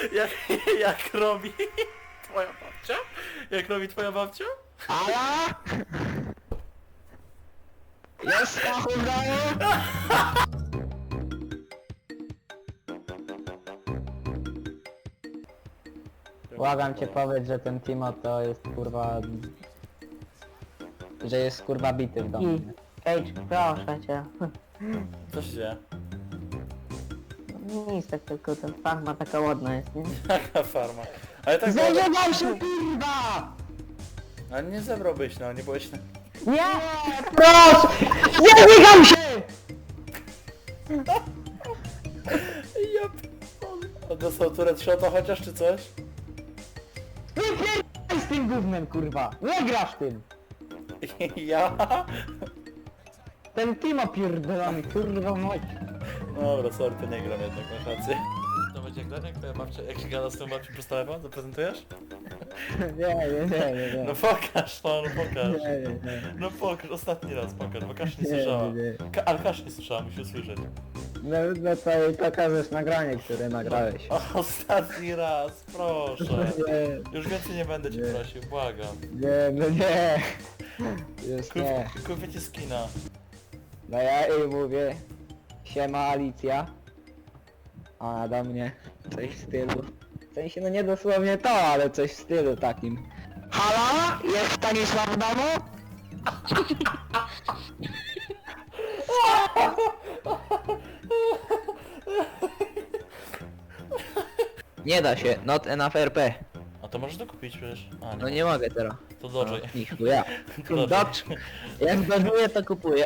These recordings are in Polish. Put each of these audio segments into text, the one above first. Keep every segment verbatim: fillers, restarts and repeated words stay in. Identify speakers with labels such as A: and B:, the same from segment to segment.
A: Jak, jak robi twoja babcia? Jak robi twoja babcia?
B: Ala! Jest Stachu w domu? Błagam cię, powiedz, że ten Timo to jest kurwa... Że jest kurwa bity w domu.
C: I Cage, proszę cię.
A: Co się dzieje?
C: Nic, tak tylko ten farma taka ładna jest, nie?
A: Jaka farma? Ale tak
B: Zażywam się kurwa!
A: Ale nie zebrałbyś, no, nie byłeś na...
C: Nie!
B: Proszę! Nie biegam się!
A: Ja p***dolę. A dostał turret shota chociaż, czy coś?
B: Wypierdaj z tym gównem kurwa! Nie grasz tym!
A: Ja?
B: Ten Timo pierdolony kurwa mać.
A: Dobra, sorry, to nie gram jednak, masz rację. To będzie jak Daniel, twoja babcia, jak się gada z tą babcią przez telefon, zaprezentujesz?
B: Nie, nie, nie, nie, nie.
A: No pokaż, no, no pokaż.
B: Nie, nie, nie.
A: No pokaż, ostatni raz pokaż, bo Kasia nie
B: Nie,
A: słyszała.
B: nie, nie.
A: Ka ale Kasia nie słyszała, musi usłyszeć.
B: No, no to jej pokażesz nagranie, które nagrałeś.
A: O, ostatni raz, proszę.
B: Nie,
A: Już więcej nie będę cię
B: Nie.
A: prosił, błagam.
B: nie, no nie. Już
A: Kup,
B: nie.
A: kupię ci skina.
B: No ja jej mówię, siema Alicja. A ona do mnie coś w stylu. W sensie no nie dosłownie to, ale coś w stylu takim. Halo? Jest Stanisław w domu? Nie da się, not enough R P.
A: A to możesz to kupić przecież. A, nie.
B: No nie mogę teraz.
A: To Dodge.
B: Niech ja.
A: Dodge.
B: Dodge. Jak dożuję to kupuję.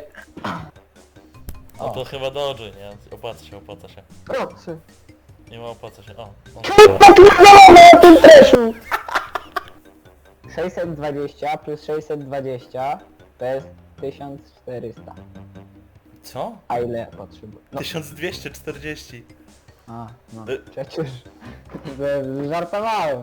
A: A to chyba Dodge, nie? Opłaca się, opłaca się.
B: Procy.
A: Nie ma opłaca się. O, o.
B: Popierdolone o tym treszu! sześćset dwadzieścia plus sześćset dwadzieścia to jest tysiąc czterysta.
A: Co?
B: A ile potrzebuję? No,
A: tysiąc dwieście czterdzieści.
B: a, no
A: Y-
B: przecież z- żartowałem.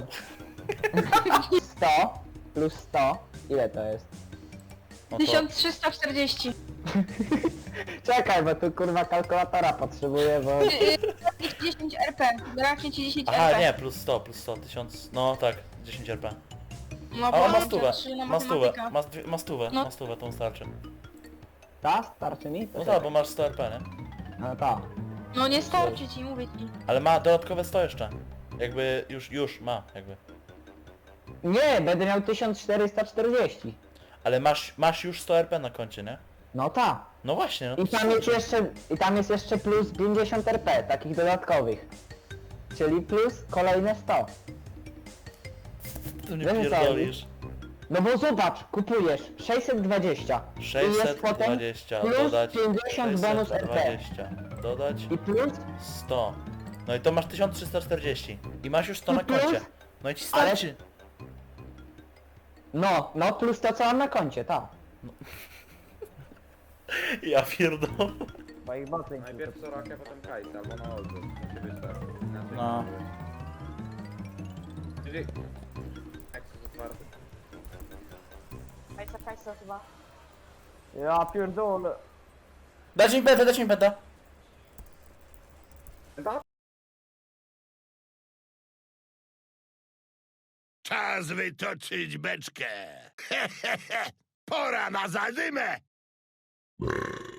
B: sto plus sto, ile to jest?
A: No to...
D: tysiąc trzysta czterdzieści.
B: Czekaj, bo tu kurwa kalkulatora potrzebuję, bo...
D: dziesięć R P. Braknie ci dziesięć R P.
A: Aha, nie, plus sto, plus sto, tysiąc... No tak, dziesięć R P.
D: No
A: A
D: bo
A: on ma
D: mam
A: stówę,
D: trzy na
A: ma stówę,
D: matematyka.
A: ma, st- ma stówę,
D: No.
A: ma stówę, to starczy.
B: Ta? Starczy mi? To
A: No
B: czekaj.
A: tak, bo masz sto R P, nie?
B: No ta.
D: No nie starczy ci, mówię ci.
A: Ale ma dodatkowe sto jeszcze. Jakby już, już ma, jakby.
B: Nie, będę miał tysiąc czterysta czterdzieści.
A: Ale masz, masz już sto R P na koncie, nie?
B: No ta.
A: No właśnie, no
B: I
A: to
B: tam jest
A: super.
B: jeszcze, i tam jest jeszcze plus pięćdziesiąt R P, takich dodatkowych. Czyli plus kolejne sto.
A: Ty mnie
B: Wiesz, co
A: pierdolisz.
B: No bo zobacz, kupujesz sześćset dwadzieścia. I jest potem
A: sześćset dwadzieścia
B: plus
A: dodać
B: pięćdziesiąt bonus R P.
A: sześćset dwadzieścia dodać
B: I plus,
A: sto. No i to masz tysiąc trzysta czterdzieści. I masz już sto
B: I
A: na
B: plus?
A: koncie. No i ci starczy.
B: no, no plus to co mam na koncie, tak.
A: Ja pierdolę.
B: Bo ich boty
E: Najpierw Sorakę, potem Kajsa, albo na odwrót. Musi być tak. Inaczej
A: No.
E: nie będzie. Jeżeli... Jak jest otwarty.
D: Kajsa, kajsa chyba.
B: Ja pierdolę.
A: Dać mi peta, dać mi peta.
F: Czas wytoczyć beczkę. Pora na zadymę.